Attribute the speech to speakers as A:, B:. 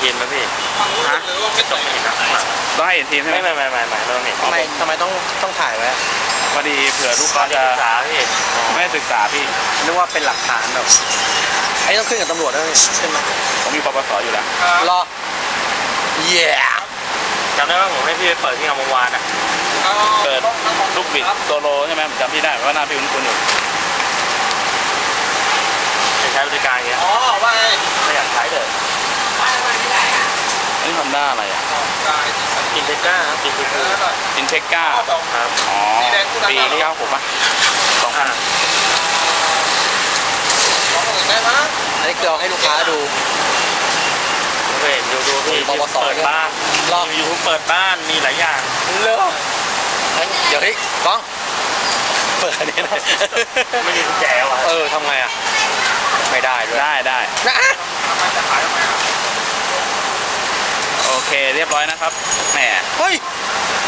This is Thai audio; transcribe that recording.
A: ทีมไหมพี่ฮะต้องเห็นนะ
B: ต้องให้เห็นทีมใช่ไหม
A: ไม่ต้องเห็น
C: ทำไมต้องถ่ายไว้
B: พอดีเผื่อลูกค้าจะ
A: ศึกษาพี่
B: ไม่ศึกษาพี่
C: นึกว่าเป็นหลักฐานแบบไอ้ต้องขึ้นกับตำรวจด้วยใช่ไหม
B: ผมมีปปสอยู่แล้ว
C: รอเย้
A: จำได้ว่าผมให้พี่ไปเปิดที่งามวงวานอ่ะ
B: เปิดลูกบิดโซโลใช่ไหมผมจำพี่ได้ว่าหน้าพี่คุ้นๆอยู่
A: จะใช้บริการเงี้ย
C: ว่า
A: ไม่อยากใช้เลย
B: นี่ฮอนด้าอะไรอ่ะ
A: อินเทก้าครับอิน
B: เทก้า
A: ครับ
B: อ๋อปี96ป่ะ2000
C: อันนี้คือเอาให้ลูกค้าดู
A: เห็นดูพี่
C: ปปส
A: เปิดบ้านยูทูบเปิดบ้านมีหลายอย่าง
C: เลิกเดี๋ยวนี่กล้องเปิดอันนี้นะ
A: ไม่มีกุญแจวะ
C: ทำไงอ่ะไม่ได้ด้วย
B: ได้
C: นะ
B: โอเคเรียบร้อยนะครับแหม
C: เฮ้ย